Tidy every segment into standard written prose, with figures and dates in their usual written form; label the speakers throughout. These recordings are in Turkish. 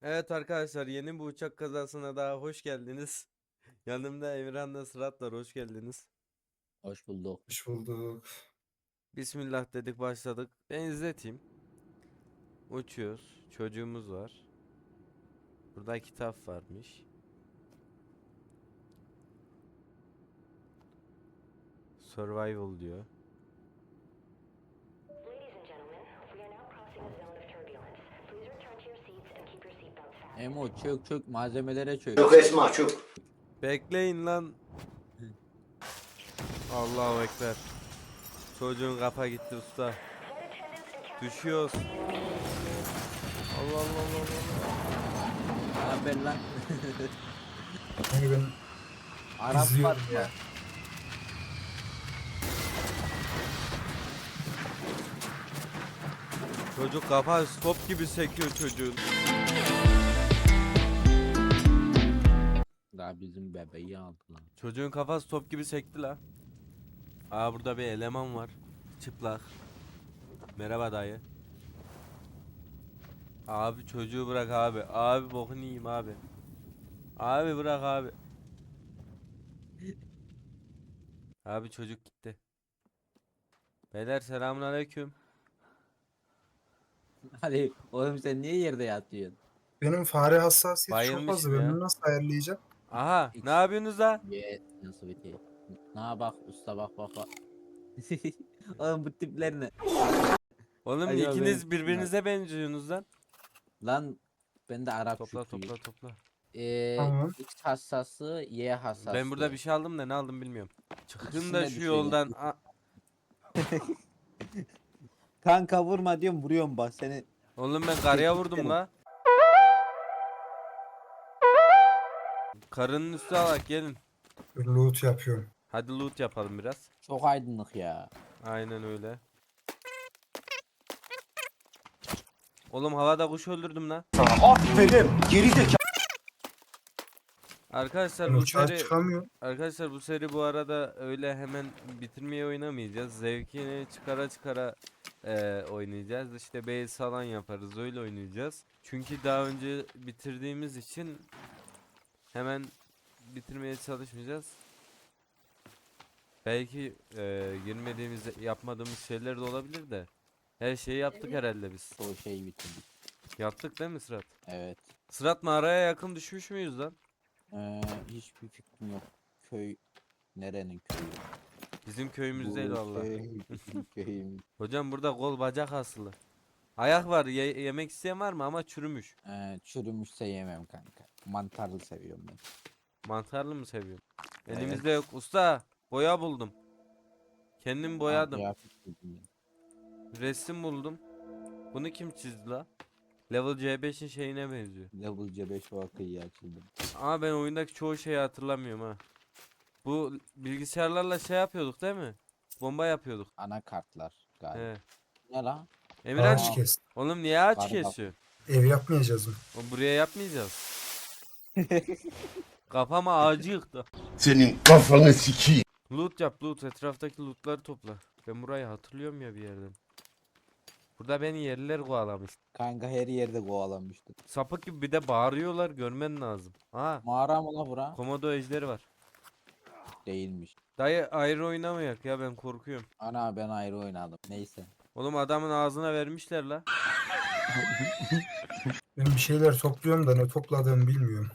Speaker 1: Evet arkadaşlar, yeni bir uçak kazasına daha hoş geldiniz. Yanımda Emirhan'la Sırat var, hoş geldiniz.
Speaker 2: Hoş bulduk.
Speaker 3: Hoş bulduk.
Speaker 1: Bismillah dedik, başladık. Ben izleteyim. Uçuyoruz. Çocuğumuz var. Burada kitap varmış. Survival diyor.
Speaker 4: Ladies and gentlemen, we are now crossing a zone of turbulence. Please return to your seats and keep your seatbelts fastened.
Speaker 2: Emo çök malzemelere çök.
Speaker 5: Çok Esma çok.
Speaker 1: Bekleyin lan. Allahu Ekber. Çocuğun kafa gitti usta. Düşüyoruz. Allah Allah Allah Allah.
Speaker 2: Lan ben lan.
Speaker 3: Yani ben
Speaker 2: Arap var
Speaker 3: izliyorum
Speaker 2: ya.
Speaker 3: ya.
Speaker 1: Çocuk kafa stop gibi sekiyor çocuğun.
Speaker 2: Daha bizim bebeği aldı lan.
Speaker 1: Çocuğun kafası top gibi sekti la. Aa, burada bir eleman var. Çıplak. Merhaba dayı. Abi çocuğu bırak abi. Abi bokunu yiyeyim abi. Abi bırak abi. Abi çocuk gitti. Beyler selamünaleyküm.
Speaker 2: Hadi oğlum sen niye yerde yatıyorsun?
Speaker 3: Benim fare hassasiyeti çok
Speaker 1: Bayılmışım
Speaker 3: fazla. Ben
Speaker 1: ya.
Speaker 3: bunu nasıl ayarlayacağım?
Speaker 1: Aha, ne yapıyorsunuz la?
Speaker 2: Ye nasıl bitiyor? Na bak usta bak bak bak. Oğlum bu tipler ne?
Speaker 1: Oğlum
Speaker 2: Ay ya,
Speaker 1: ikiniz birbirinize benziyorsunuz lan.
Speaker 2: Lan ben de Arap
Speaker 1: Topla
Speaker 2: Şükrü'yüm.
Speaker 1: topla topla.
Speaker 3: Tamam.
Speaker 2: X hassası, Y hassası.
Speaker 1: Ben burada bir şey aldım da ne aldım bilmiyorum. Çıkın
Speaker 2: İkisine
Speaker 1: da
Speaker 2: bir
Speaker 1: şu
Speaker 2: şey
Speaker 1: yoldan.
Speaker 2: Kanka vurma diyorum vuruyorum bak seni.
Speaker 1: Oğlum ben karıya vurdum la. Karının üstüne alak gelin.
Speaker 3: Loot yapıyorum.
Speaker 1: Hadi loot yapalım biraz.
Speaker 2: Çok aydınlık ya.
Speaker 1: Aynen öyle. Oğlum havada kuş öldürdüm lan.
Speaker 5: Aferin. Geri zekalı.
Speaker 1: Arkadaşlar
Speaker 3: Ben
Speaker 1: bu
Speaker 3: uçağa
Speaker 1: seri
Speaker 3: çıkamıyorum.
Speaker 1: Arkadaşlar bu seri bu arada öyle hemen bitirmeye oynamayacağız. Zevkini çıkara çıkara oynayacağız. İşte base falan yaparız, öyle oynayacağız. Çünkü daha önce bitirdiğimiz için hemen bitirmeye çalışmayacağız. Belki girmediğimiz, yapmadığımız şeyler de olabilir de. Her şeyi yaptık herhalde biz.
Speaker 2: Çoğu şeyi bitirdik.
Speaker 1: Yaptık değil mi Sırat?
Speaker 2: Evet.
Speaker 1: Sırat, mağaraya yakın düşmüş müyüz lan?
Speaker 2: Hiçbir fikrim yok. Köy nerenin köyü?
Speaker 1: Bizim köyümüz değil
Speaker 2: Bu
Speaker 1: vallahi.
Speaker 2: köy bizim köyümüz.
Speaker 1: Hocam burada kol bacak asılı. Ayak var, yemek isteyen var mı, ama çürümüş.
Speaker 2: Çürümüşse yemem kanka. Mantarlı seviyorum ben.
Speaker 1: Mantarlı mı seviyorsun?
Speaker 2: Evet.
Speaker 1: Elimizde yok. Usta, boya buldum. Kendim boyadım.
Speaker 2: Kıyafet giydim ben.
Speaker 1: Resim buldum. Bunu kim çizdi la? Level C5'in şeyine benziyor.
Speaker 2: Level C5 vakıyı açıldım.
Speaker 1: Ama ben oyundaki çoğu şeyi hatırlamıyorum ha. Bu bilgisayarlarla şey yapıyorduk değil mi? Bomba yapıyorduk.
Speaker 2: Anakartlar galiba.
Speaker 1: He.
Speaker 2: Ne lan?
Speaker 1: Emirhan,
Speaker 3: Ağaç kes.
Speaker 1: oğlum niye ağaç
Speaker 2: Galiba.
Speaker 1: kesiyor?
Speaker 3: Ev yapmayacağız mı?
Speaker 1: O buraya yapmayacağız. Kafama ağacı yıktı.
Speaker 5: Senin kafanı sikeyim.
Speaker 1: Loot yap, loot. Etraftaki lootları topla. Ben burayı hatırlıyorum ya bir yerden. Burada beni yerliler kovalamış.
Speaker 2: Kanka her yerde kovalanmıştı.
Speaker 1: Sapık gibi bir de bağırıyorlar, görmen lazım. Ha,
Speaker 2: Mağara mı la bura?
Speaker 1: komodo ejderi var.
Speaker 2: Değilmiş.
Speaker 1: Dayı ayrı oynamayak ya, ben korkuyorum.
Speaker 2: Ana ben ayrı oynadım. Neyse.
Speaker 1: Oğlum adamın ağzına vermişler la.
Speaker 3: Ben bir şeyler topluyorum da ne topladığımı bilmiyorum.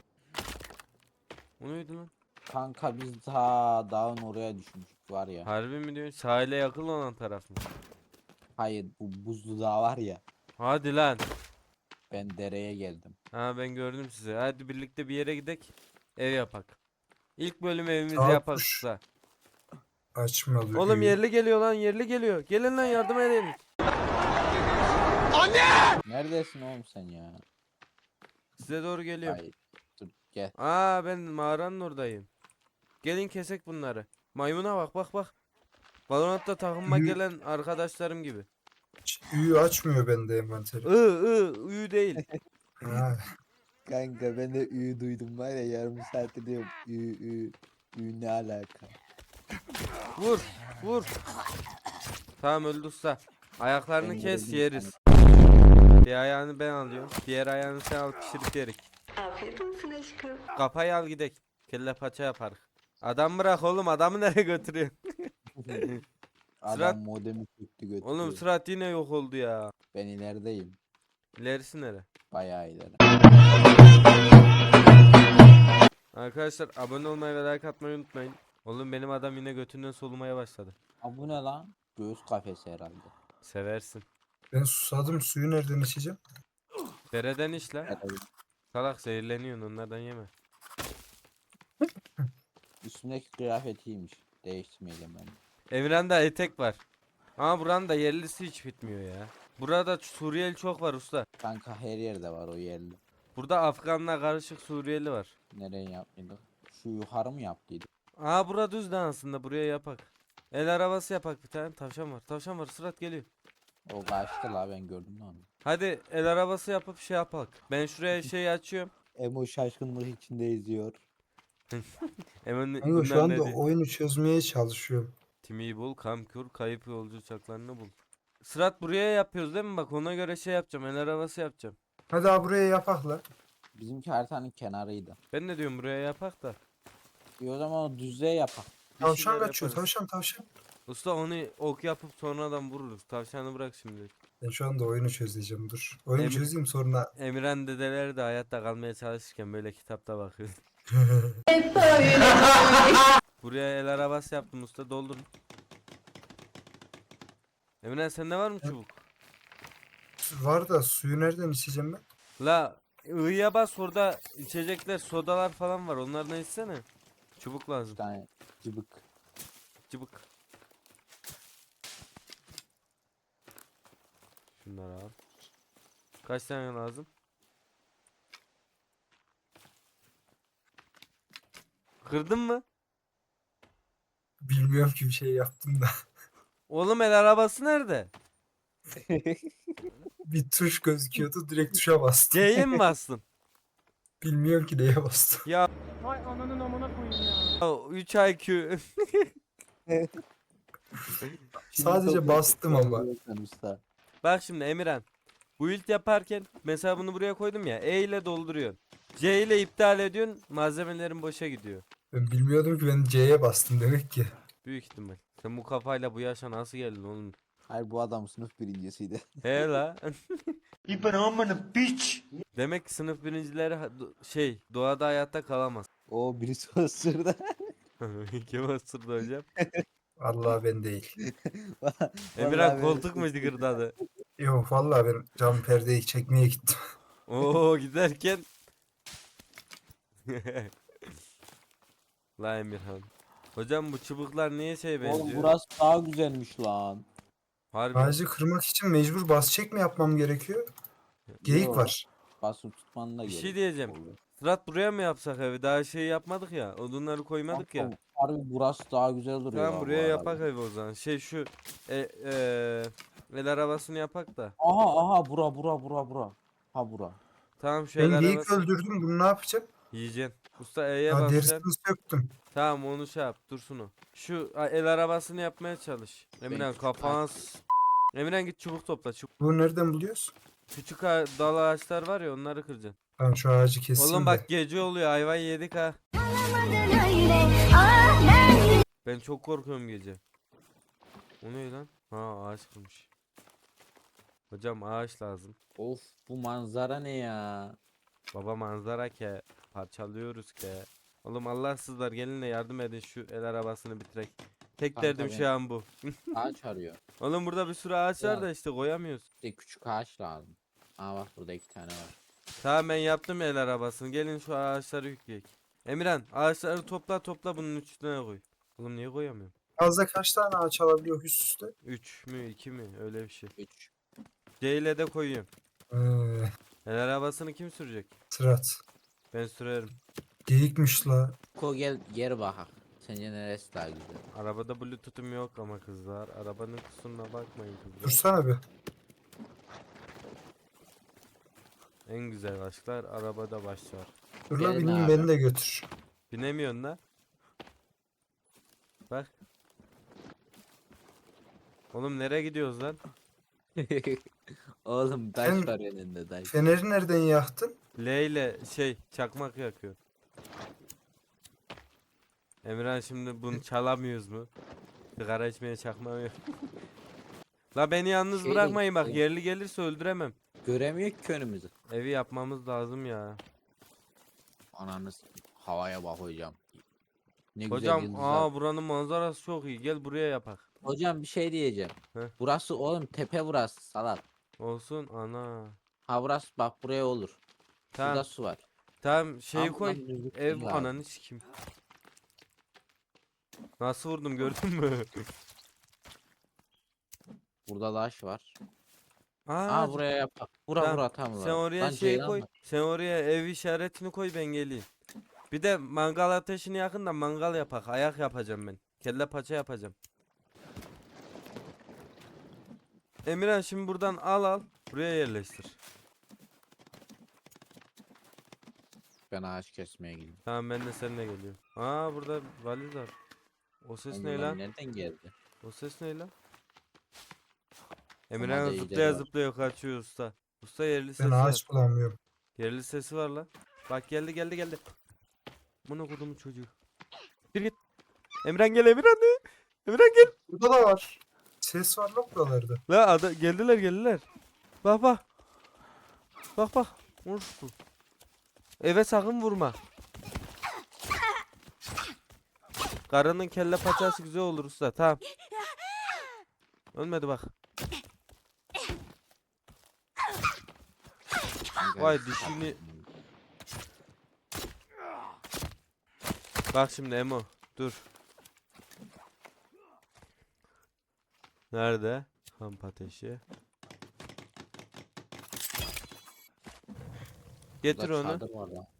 Speaker 1: O neydi lan?
Speaker 2: Kanka biz ta dağın oraya düşmüştük var ya.
Speaker 1: Harbi mi diyorsun? Sahile yakın olan taraf mı?
Speaker 2: Hayır bu buzlu dağ var ya.
Speaker 1: Hadi lan.
Speaker 2: Ben dereye geldim.
Speaker 1: Ha, ben gördüm sizi. Hadi birlikte bir yere gidek. Ev yapak. İlk bölüm evimizi
Speaker 3: Saat
Speaker 1: yapak
Speaker 3: kuş.
Speaker 1: usta.
Speaker 3: Açmadı.
Speaker 1: Oğlum
Speaker 3: köyü.
Speaker 1: yerli geliyor lan, yerli geliyor. Gelin lan, yardım edin.
Speaker 2: Neredesin oğlum sen ya?
Speaker 1: Size doğru geliyor.
Speaker 2: Hayır. Dur gel.
Speaker 1: Aa, ben mağaranın oradayım. Gelin kesek bunları. Maymuna bak bak bak. Valorant'ta takıma
Speaker 3: Yürü.
Speaker 1: gelen arkadaşlarım gibi.
Speaker 3: Üyü açmıyor bende envanteri.
Speaker 1: Uyu değil.
Speaker 3: Ha,
Speaker 2: Kanka ben de ü duydum var ya yarım saattir diyorum ü ne alaka?
Speaker 1: Vur vur. Tamam, öldü usta. Ayaklarını
Speaker 2: Ben
Speaker 1: kes,
Speaker 2: gördüm
Speaker 1: yeriz. Bir ayağını ben alıyorum. Diğer ayağını sen al, pişirip yerik.
Speaker 4: Afiyet olsun aşkım.
Speaker 1: Kafayı al gidek. Kelle paça yaparız. Adam bırak oğlum, adamı nereye götürüyor?
Speaker 2: Adam
Speaker 1: Sırat-
Speaker 2: modemi çöktü götürüyor.
Speaker 1: Oğlum Sırat yine yok oldu ya.
Speaker 2: Ben ilerideyim.
Speaker 1: İlerisi nere?
Speaker 2: Bayağı ileri.
Speaker 1: Arkadaşlar abone olmayı ve like atmayı unutmayın. Oğlum benim adam yine götünden solumaya başladı.
Speaker 2: Aa, bu ne lan? Göğüs kafesi herhalde.
Speaker 1: Seversin.
Speaker 3: Ben susadım, suyu nereden içeceğim?
Speaker 1: Dereden işle.
Speaker 2: Herhalde.
Speaker 1: Salak zehirleniyorsun, onlardan yeme.
Speaker 2: Üstündeki kıyafet iyiymiş. Değiştirmeyeceğim ben.
Speaker 1: Emirhan'da etek var. Ama buranın da yerlisi hiç bitmiyor ya. Burada Suriyeli çok var usta.
Speaker 2: Kanka her yerde var o yerli.
Speaker 1: Burada Afganla karışık Suriyeli var.
Speaker 2: Nereye yaptıydık? Şu yukarı mı yaptıydık?
Speaker 1: Aa bura düz de aslında, buraya yapak. El arabası yapak bir tane. Tavşan var. Tavşan var. Sırat geliyor.
Speaker 2: O kaçtı la, ben gördüm de onu.
Speaker 1: Hadi el arabası yapıp şey yapak. Ben şuraya şey açıyorum.
Speaker 2: Emo şaşkınlık içinde izliyor.
Speaker 1: Hemen
Speaker 3: Kanka şu
Speaker 1: bunlar
Speaker 3: anda
Speaker 1: ne diyor?
Speaker 3: oyunu çözmeye çalışıyorum.
Speaker 1: Timi'yi bul, Kamkur, kayıp yolcu uçaklarını bul. Sırat buraya yapıyoruz değil mi? Bak ona göre şey yapacağım. El arabası yapacağım.
Speaker 3: Hadi abi buraya yapak la.
Speaker 2: Bizimki haritanın kenarıydı.
Speaker 1: Ben ne diyorum, buraya yapak da.
Speaker 2: O zaman o düzlüğe yapak.
Speaker 1: Bir
Speaker 3: Tavşan
Speaker 1: şeyler
Speaker 3: kaçıyor,
Speaker 1: yaparız.
Speaker 3: tavşan.
Speaker 1: Usta onu ok yapıp sonradan vururuz. Tavşanı bırak şimdi.
Speaker 3: Ben şu anda oyunu çözeceğim, dur. Oyunu
Speaker 1: Emin-
Speaker 3: çözeyim sonra.
Speaker 1: Emirhan dedeleri de hayatta kalmaya çalışırken böyle kitapta bakıyor. Buraya el arabası yaptım usta, doldurun. Emirhan sende var mı çubuk?
Speaker 3: Var da suyu nereden içeceğim ben?
Speaker 1: La ı'ya bas, orada içecekler, sodalar falan var, onlardan içsene. Çubuk
Speaker 2: Bir
Speaker 1: lazım.
Speaker 2: tane cıbık.
Speaker 1: Çubuk. Şunları al. Kaç tane lazım? Kırdın mı?
Speaker 3: Bilmiyorum ki, bir şey yaptım da.
Speaker 1: Oğlum el arabası nerede?
Speaker 3: Bir tuş gözüküyordu, direkt tuşa bastım.
Speaker 1: C'ye mi bastın?
Speaker 3: Bilmiyorum ki neye bastım.
Speaker 1: Ya
Speaker 6: Vay ananın amına koyayım ya.
Speaker 1: 3 IQ.
Speaker 3: Sadece bastım ama.
Speaker 2: Usta.
Speaker 1: Bak şimdi Emirhan. Bu build yaparken mesela bunu buraya koydum ya. E ile dolduruyorsun. C ile iptal ediyorsun. Malzemelerin boşa gidiyor.
Speaker 3: Ben bilmiyordum ki, ben C'ye bastım demek ki.
Speaker 1: Büyük ihtimal. Sen bu kafayla bu yaşa nasıl geldin oğlum?
Speaker 2: Hayır, bu adam sınıf birincisiydi.
Speaker 1: He la.
Speaker 5: İbn amına piç.
Speaker 1: Demek ki sınıf birincileri şey doğada hayatta kalamaz.
Speaker 2: O birisi ısırdı.
Speaker 1: Kim ısırdı hocam?
Speaker 3: Allah, ben değil.
Speaker 1: Emirhan
Speaker 2: Vallahi
Speaker 1: koltuk mu
Speaker 2: ben-
Speaker 1: gırdadı?
Speaker 3: Yok vallahi, ben cam perdeyi çekmeye gittim.
Speaker 1: Oo giderken. La Emirhan. Hocam bu çubuklar niye şey
Speaker 2: Oğlum
Speaker 1: benziyor?
Speaker 2: burası daha güzelmiş lan.
Speaker 1: Harbi.
Speaker 3: Ağacı kırmak için mecbur bas çek mi yapmam gerekiyor? Geyik
Speaker 2: Yo,
Speaker 3: var.
Speaker 2: Basıp tutman da
Speaker 1: Bir şey
Speaker 2: gerek
Speaker 1: diyeceğim.
Speaker 2: oluyor.
Speaker 1: Sırat buraya mı yapsak evi? Daha şey yapmadık ya. Odunları koymadık ya.
Speaker 2: Kanka, harbi burası daha güzel duruyor.
Speaker 1: Tamam
Speaker 2: ha bu
Speaker 1: buraya
Speaker 2: arada.
Speaker 1: yapak evi o zaman. Şey şu e, e, el arabasını yapak da.
Speaker 2: Aha bura. Ha bura.
Speaker 1: Tamam şu
Speaker 3: Ben
Speaker 1: el
Speaker 3: geyik
Speaker 1: arabası
Speaker 3: öldürdüm, bunu ne yapacağım?
Speaker 1: yiyeceksin. Usta E'ye
Speaker 3: Ha,
Speaker 1: basacaksın.
Speaker 3: derisini söktüm.
Speaker 1: Tamam onu şey yap, dursun o. Şu el arabasını yapmaya çalış. Emirhan
Speaker 2: küçük
Speaker 1: kafan Emirhan git çubuk topla. Çubuk.
Speaker 3: Bunu nereden buluyoruz?
Speaker 1: Küçük dal ağaçlar var ya, onları kıracaksın.
Speaker 3: Ben şu ağacı keseyim
Speaker 1: Oğlum
Speaker 3: de.
Speaker 1: bak gece oluyor, ayvayı yedik ha. Ben çok korkuyorum gece. O ne lan? Ha ağaç kırmış. Hocam ağaç lazım.
Speaker 2: Of, bu manzara ne ya?
Speaker 1: Baba manzara ke. Parçalıyoruz ke. Oğlum Allahsızlar gelin de yardım edin, şu el arabasını bitirek. Tek
Speaker 2: Kanka
Speaker 1: derdim
Speaker 2: ben-
Speaker 1: şu an bu.
Speaker 2: Ağaç arıyor.
Speaker 1: Oğlum burada bir sürü ağaç var
Speaker 2: Ya.
Speaker 1: da işte koyamıyoruz.
Speaker 2: İşte küçük ağaç lazım. Aa bak, burada 2 tane var.
Speaker 1: Tamam ben yaptım el arabasını. Gelin şu ağaçları yükleyek. Emirhan ağaçları topla bunun üstüne koy. Oğlum niye koyamıyorum?
Speaker 3: Fazla kaç tane ağaç alabiliyor üst üste?
Speaker 1: 3 mü 2 mi öyle bir şey.
Speaker 2: 3.
Speaker 1: C ile de koyuyorum.
Speaker 3: Ee,
Speaker 1: El arabasını kim sürecek?
Speaker 3: Sırat.
Speaker 1: Ben sürerim.
Speaker 3: Geyikmiş la.
Speaker 2: Ko gel bakak. Sence neresi daha güzel?
Speaker 1: Arabada bluetooth'um yok ama kızlar. Arabanın kusuruna bakmayın kızlar.
Speaker 3: Dursana bir.
Speaker 1: En güzel aşklar arabada başlar.
Speaker 3: Dur la,
Speaker 2: Gelin
Speaker 3: bineyim,
Speaker 2: abi.
Speaker 3: beni de götür.
Speaker 1: Binemiyorsun la. Bak. Oğlum nereye gidiyoruz lan?
Speaker 7: Oğlum taş
Speaker 3: Sen-
Speaker 7: var önünde taş.
Speaker 3: Feneri nereden yaktın?
Speaker 1: L ile çakmak yakıyor. Emirhan şimdi bunu çalamıyoruz mu? Sigara içmeye çakmam yok. La beni yalnız
Speaker 7: Şey
Speaker 1: bırakmayın bak,
Speaker 7: değil,
Speaker 1: yerli gelirse öldüremem.
Speaker 7: Göremiyor ki önümüzü.
Speaker 1: Evi yapmamız lazım ya.
Speaker 7: Ananız havaya bak hocam. Ne güzel
Speaker 1: Hocam
Speaker 7: yıldızlar.
Speaker 1: buranın manzarası çok iyi. Gel buraya yapak.
Speaker 7: Hocam bir şey diyeceğim.
Speaker 1: Heh.
Speaker 7: Burası oğlum tepe burası salak.
Speaker 1: Olsun ana.
Speaker 7: Ha burası bak buraya olur.
Speaker 1: Tamam.
Speaker 7: Burada su var.
Speaker 1: Tamam şeyi
Speaker 7: Ama
Speaker 1: koy.
Speaker 7: buradan düzlük
Speaker 1: Ev
Speaker 7: değil abi.
Speaker 1: ananı sikim. Nasıl vurdum gördün mü?
Speaker 7: Burada taş var.
Speaker 1: Aa,
Speaker 7: Aa buraya yapak. Bura
Speaker 1: tamam.
Speaker 7: bura tam
Speaker 1: Sen oraya
Speaker 7: Lan
Speaker 1: şey
Speaker 7: ceylan
Speaker 1: koy.
Speaker 7: var.
Speaker 1: Sen oraya ev işaretini koy, ben geleyim. Bir de mangal ateşini yakın da mangal yapak. Ayak yapacağım ben. Kelle paça yapacağım. Emirhan şimdi buradan al. Buraya yerleştir.
Speaker 7: Ben ağaç kesmeye gidiyorum.
Speaker 1: Tamam ben de seninle geliyorum. Aa burada valiz var. O ses
Speaker 7: Oğlum
Speaker 1: ne
Speaker 7: bunlar
Speaker 1: lan?
Speaker 7: nereden geldi?
Speaker 1: O ses ne lan? Emirhan
Speaker 7: da iyileri
Speaker 1: zıplaya
Speaker 7: var.
Speaker 1: zıplaya kaçıyor usta. Usta yerli
Speaker 3: Ben
Speaker 1: sesi var.
Speaker 3: ağaç bulamıyorum.
Speaker 1: Yerli sesi var lan. Bak geldi. Bunu kodumun çocuğu. Bir git. Emirhan gel Emirhan. Emirhan gel.
Speaker 3: Burada da var. Ses var lan buralarda.
Speaker 1: La geldiler. Bak. Bak. Vur şu. Eve sakın vurma. Karının kelle paçası güzel olur usta. Tamam. Ölmedi bak.
Speaker 7: Kanka,
Speaker 1: Vay
Speaker 7: şu
Speaker 1: dişini.
Speaker 7: tatlı.
Speaker 1: Bak şimdi Emo. Dur. Nerede? Kamp ateşi. Getir
Speaker 7: Burada
Speaker 1: onu.
Speaker 7: çadır var lan.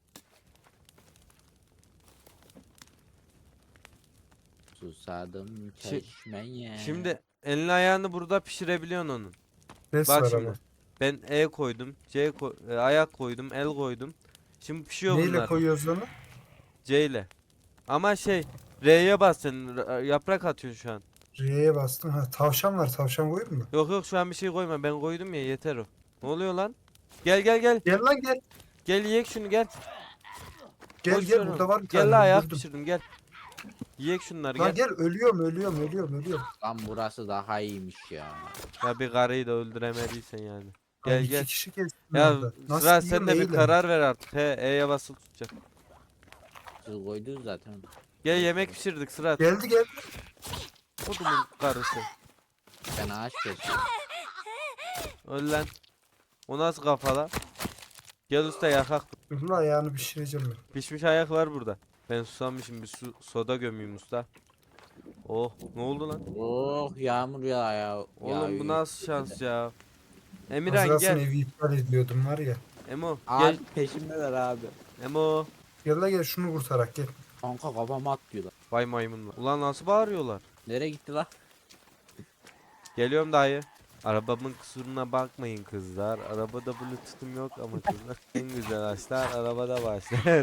Speaker 7: Susadım çeşmeye.
Speaker 1: Şimdi elini ayağını burada pişirebiliyorsun onun.
Speaker 3: Ses
Speaker 1: Bak
Speaker 3: var
Speaker 1: şimdi.
Speaker 3: ama.
Speaker 1: Ben E koydum. Ayak koydum. El koydum. Şimdi pişiyor
Speaker 3: Neyle
Speaker 1: bunlar.
Speaker 3: koyuyoruz onu?
Speaker 1: C ile. Ama R'ye bas sen. Yaprak atıyorsun şu an.
Speaker 3: R'ye bastım. Ha tavşan var. Tavşan koyayım mı?
Speaker 1: Yok şu an bir şey koyma. Ben koydum ya, yeter o. Ne oluyor lan? Gel.
Speaker 3: Gel lan gel.
Speaker 1: Gel yiyek şunu gel.
Speaker 3: Gel
Speaker 1: Boş
Speaker 3: gel
Speaker 1: ver
Speaker 3: burada
Speaker 1: onu.
Speaker 3: var bir
Speaker 1: Gel
Speaker 3: tane.
Speaker 1: la ayak
Speaker 3: öldürdüm.
Speaker 1: pişirdim gel. Yiyek şunları
Speaker 3: Lan
Speaker 1: gel.
Speaker 3: gel ölüyorum.
Speaker 7: Lan burası daha iyiymiş ya.
Speaker 1: Ya bir karıyı da öldüremediysen yani.
Speaker 3: Lan
Speaker 1: Gel
Speaker 3: iki
Speaker 1: gel.
Speaker 3: kişi kestim
Speaker 1: Ya
Speaker 3: orada. Nasıl
Speaker 1: Sıra
Speaker 3: yiyorum
Speaker 1: sen de bir
Speaker 3: eyle.
Speaker 1: karar ver artık. E'ye basılı tutacak.
Speaker 7: Siz koydunuz zaten.
Speaker 1: Gel yemek pişirdik Sırat.
Speaker 3: Geldi.
Speaker 1: Odumun karısı.
Speaker 7: Ben ağaç kesiyorum.
Speaker 1: Öl lan. O nasıl kafala? Gel usta yakak.
Speaker 3: Dur lan ayağını pişireceğim ben.
Speaker 1: Pişmiş ayak var burada. Ben susamışım, bir soda gömeyim usta. Oh ne oldu lan?
Speaker 7: Oh yağmur ya.
Speaker 1: Oğlum
Speaker 7: yağıyor.
Speaker 1: bu nasıl şans ya?
Speaker 3: Az
Speaker 1: Emirhan
Speaker 3: kalsın
Speaker 1: gel.
Speaker 3: evi iptal ediyordum var ya.
Speaker 1: Emo
Speaker 7: Aa
Speaker 1: gel.
Speaker 7: peşimdeler abi.
Speaker 1: Emo.
Speaker 3: Gel la gel şunu kurtarak gel.
Speaker 7: Kanka kafama atlıyorlar.
Speaker 1: Vay maymunlar. Ulan nasıl bağırıyorlar?
Speaker 7: Nereye gitti la?
Speaker 1: Geliyorum dayı. Arabamın kusuruna bakmayın kızlar. Arabada bluetooth'um yok ama kızlar. En güzel açlar arabada başlar.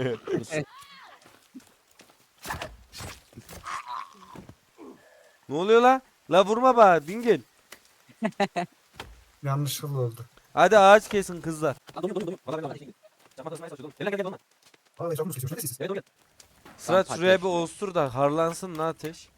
Speaker 1: Ne oluyor la? La vurma bana dingil.
Speaker 3: Yanlışlıkla oldu.
Speaker 1: Hadi ağaç kesin kızlar.
Speaker 3: Vallahi canım sıkıyor. Ne siz?
Speaker 1: Sırat
Speaker 7: Tam
Speaker 1: şuraya
Speaker 7: patates.
Speaker 1: bir ostur da harlansın la ateş.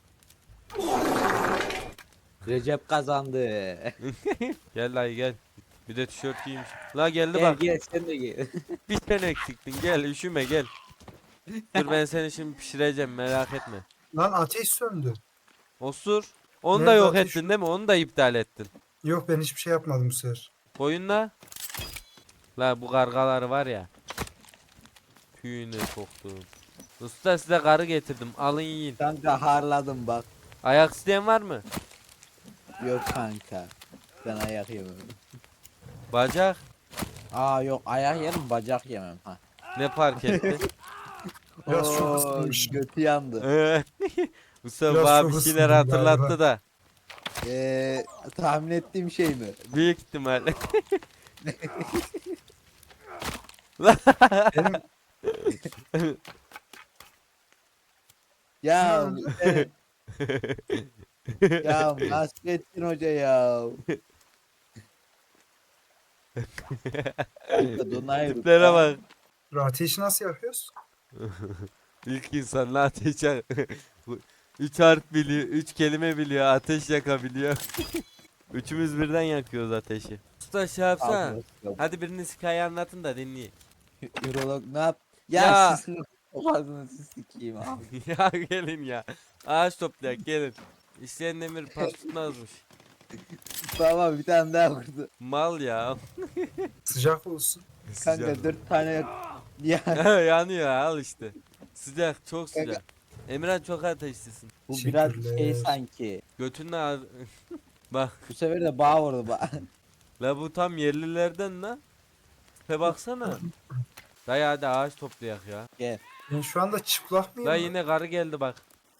Speaker 7: Recep kazandı.
Speaker 1: Gel dayı gel. Bir de tişört giymiş. La geldi
Speaker 7: Gel
Speaker 1: bak.
Speaker 7: gel sen de gel.
Speaker 1: Bir tane eksiktin. Gel üşüme gel. Dur ben seni şimdi pişireceğim, merak etme.
Speaker 3: Lan ateş söndü.
Speaker 1: Osur. Onu da
Speaker 3: Nerede
Speaker 1: yok
Speaker 3: ateş
Speaker 1: ettin değil mi? Onu da iptal ettin.
Speaker 3: Yok ben hiçbir şey yapmadım bu sefer.
Speaker 1: Koyunla. La bu kargaları var ya. Tüyünü soktum. Usta size karı getirdim. Alın yiyin.
Speaker 7: Kanka harladım bak.
Speaker 1: Ayak isteyen var mı?
Speaker 7: Yok kanka. Ben ayak yemem.
Speaker 1: Bacak.
Speaker 7: Aa yok ayak yerim bacak yemem ha.
Speaker 1: Ne fark etti?
Speaker 3: Biraz çok
Speaker 7: Oo,
Speaker 3: ısınmış.
Speaker 7: götü yandı.
Speaker 1: Usta
Speaker 3: Biraz
Speaker 1: bana
Speaker 3: çok
Speaker 1: bir şeyler
Speaker 3: ısındım
Speaker 1: hatırlattı
Speaker 3: galiba.
Speaker 1: da.
Speaker 7: Tahmin ettiğim şey mi?
Speaker 1: Büyük ihtimal.
Speaker 3: Benim
Speaker 7: Ya Ya Nasrettin Hoca ya. Kanka donayım.
Speaker 1: Tiplere bak.
Speaker 3: Ateşi nasıl yapıyoruz?
Speaker 1: İlk insanla ateş yak. 3 harf biliyor, 3 kelime biliyor, ateş yakabiliyor. Üçümüz birden yakıyoruz ateşi. Usta şey yapsana. Hadi biriniz hikaye anlatın da dinleyeyim.
Speaker 7: Ürolog ne yap? Ya,
Speaker 1: Ya.
Speaker 7: sizin ağzınızı sikeyim abi.
Speaker 1: Ya gelin ya. Ağaç toplayak gelin. İsteyen demir pas tutmazmış.
Speaker 7: Baba bir tane daha vurdu.
Speaker 1: Mal ya.
Speaker 3: Sıcak olsun.
Speaker 7: Kanka
Speaker 1: Sıcak.
Speaker 7: 4 tane ya
Speaker 1: Yanıyor al işte. Sıcak çok
Speaker 7: Kanka.
Speaker 1: sıcak. Emirhan çok ateşlisin.
Speaker 7: bu biraz şey
Speaker 3: Teşekkürler.
Speaker 7: sanki.
Speaker 1: Götünle bak
Speaker 7: Bu sefer de bağ vurdu bağ.
Speaker 1: la bu tam yerlilerden la. He baksana. Dayı hadi ağaç toplayak ya.
Speaker 7: Gel.
Speaker 3: Ben şu anda çıplak mıyım?
Speaker 1: La
Speaker 3: lan?
Speaker 1: yine karı geldi bak.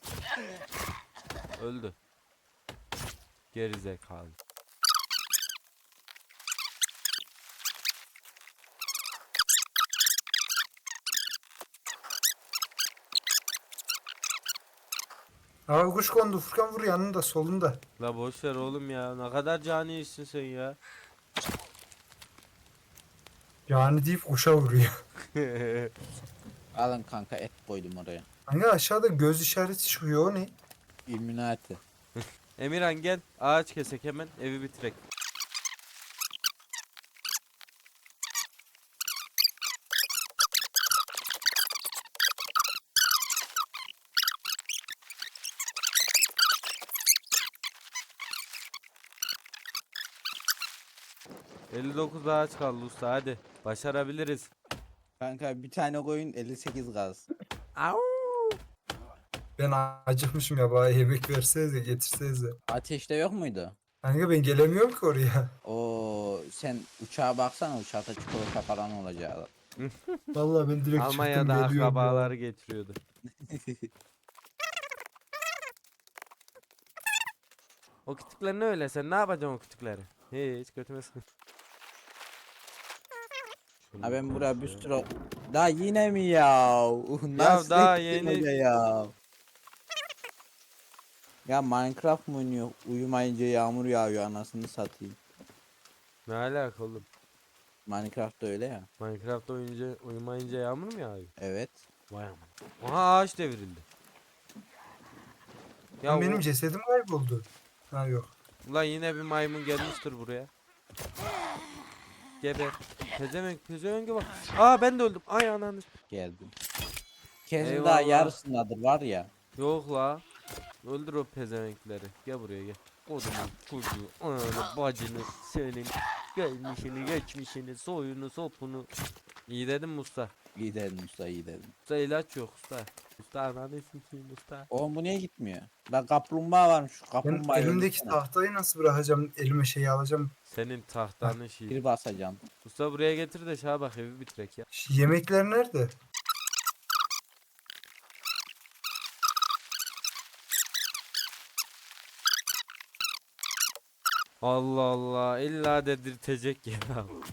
Speaker 1: Öldü. Geri zekalı.
Speaker 3: Abi kuş kondu. Furkan vur yanında solunda.
Speaker 1: La boş ver oğlum ya. Ne kadar cani işsin sen ya.
Speaker 3: Yani deyip kuşa vuruyor.
Speaker 7: Alın kanka et koydum oraya.
Speaker 3: Hani aşağıda göz işareti çıkıyor o ne?
Speaker 7: Illuminati.
Speaker 1: Emirhan gel. Ağaç kesek hemen evi bitirek. ...59 ağaç kaldı usta hadi. Başarabiliriz.
Speaker 7: Kanka bir tane koyun 58 gaz.
Speaker 3: Ben acıkmışım ya, bana yemek versenize, getirsenize.
Speaker 7: Ateşte yok muydu?
Speaker 3: Kanka ben gelemiyorum ki oraya.
Speaker 7: Oo sen uçağa baksana, uçakta çikolata falan olacak.
Speaker 3: Vallahi ben direkt
Speaker 1: Almanya'da
Speaker 3: çıktım geliyorum ya.
Speaker 1: akrabaları getiriyordu. O kütükler ne öyle, sen ne yapacaksın o kütükleri? Hiç götüme sıkın.
Speaker 7: Ha ben buraya bir sürü... Daha yine mi ya? Nasıl
Speaker 1: daha
Speaker 7: ettin
Speaker 1: yeni-
Speaker 7: hoca ya? Ya Minecraft mı oynuyor? Uyumayınca yağmur yağıyor, anasını satayım.
Speaker 1: Ne alaka oğlum?
Speaker 7: Minecraft da öyle ya.
Speaker 1: Minecraft uyumayınca yağmur mu yağıyor?
Speaker 7: Evet.
Speaker 1: Vay aman. Aha ağaç devrildi. Ya
Speaker 3: Lan benim
Speaker 1: o-
Speaker 3: cesedim kayboldu. Ha yok.
Speaker 1: ulan yine bir maymun gelmiştir buraya. Geber. Pezevenk bak. Aa ben de öldüm. Ay ananı.
Speaker 7: Geldim. Kesin daha
Speaker 1: Eyvallah.
Speaker 7: yarısındadır var ya.
Speaker 1: Yok la. Öldür o pezevenkleri. Gel buraya gel. Kodumun çocuğu, ananı, bacını, senin gelmişini, geçmişini, soyunu, sopunu. İyi dedim mi usta?
Speaker 7: İyi dedin usta, iyi dedin.
Speaker 1: Usta ilaç yok usta. Usta ananı sikeyim usta.
Speaker 7: Oğlum bu niye gitmiyor? Ben kaplumbağa varmış, şu
Speaker 3: Ben
Speaker 7: kaplumbağayı
Speaker 3: elimdeki
Speaker 7: öldürsene.
Speaker 3: tahtayı nasıl bırakacağım? Elime şeyi alacağım.
Speaker 1: Senin tahtanın şeyi.
Speaker 7: Bir basacağım.
Speaker 1: Usta buraya getir de şuna bak evi bitirek ya.
Speaker 3: Yemekler nerede?
Speaker 1: Allah Allah illa dedirtecek ya.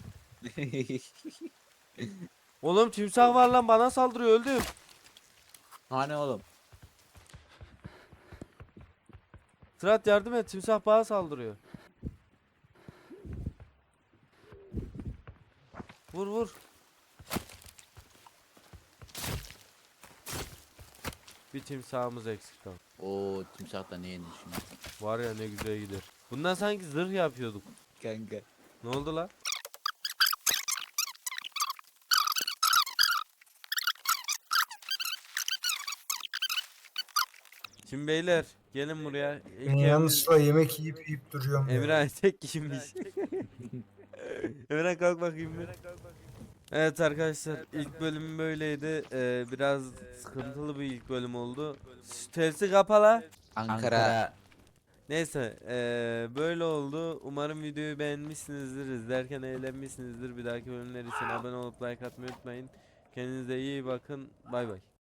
Speaker 1: Oğlum timsah var lan bana saldırıyor öldüm.
Speaker 7: Hani oğlum?
Speaker 1: Sırat yardım et timsah bana saldırıyor. Vur vur. Bir timsahımız eksik kaldı.
Speaker 7: Oo timsah da ne yenir şimdi?
Speaker 1: Var ya ne güzel gider. Bundan sanki zırh yapıyorduk.
Speaker 7: Kanka.
Speaker 1: Ne oldu la? Şimdi beyler gelin buraya. İlk
Speaker 3: Ben
Speaker 1: evimiz-
Speaker 3: yanlışlıkla yemek yiyip duruyorum ya.
Speaker 1: Emirhan tek kişiymiş. Emirhan kalk bakayım bir. Evet arkadaşlar ilk bölüm böyleydi. Biraz sıkıntılı bir ilk bölüm oldu. Şu tersi kapala.
Speaker 7: Ankara.
Speaker 1: Neyse böyle oldu. Umarım videoyu beğenmişsinizdir. İzlerken eğlenmişsinizdir. Bir dahaki bölümler için abone olup like atmayı unutmayın. Kendinize iyi bakın. Bay bay.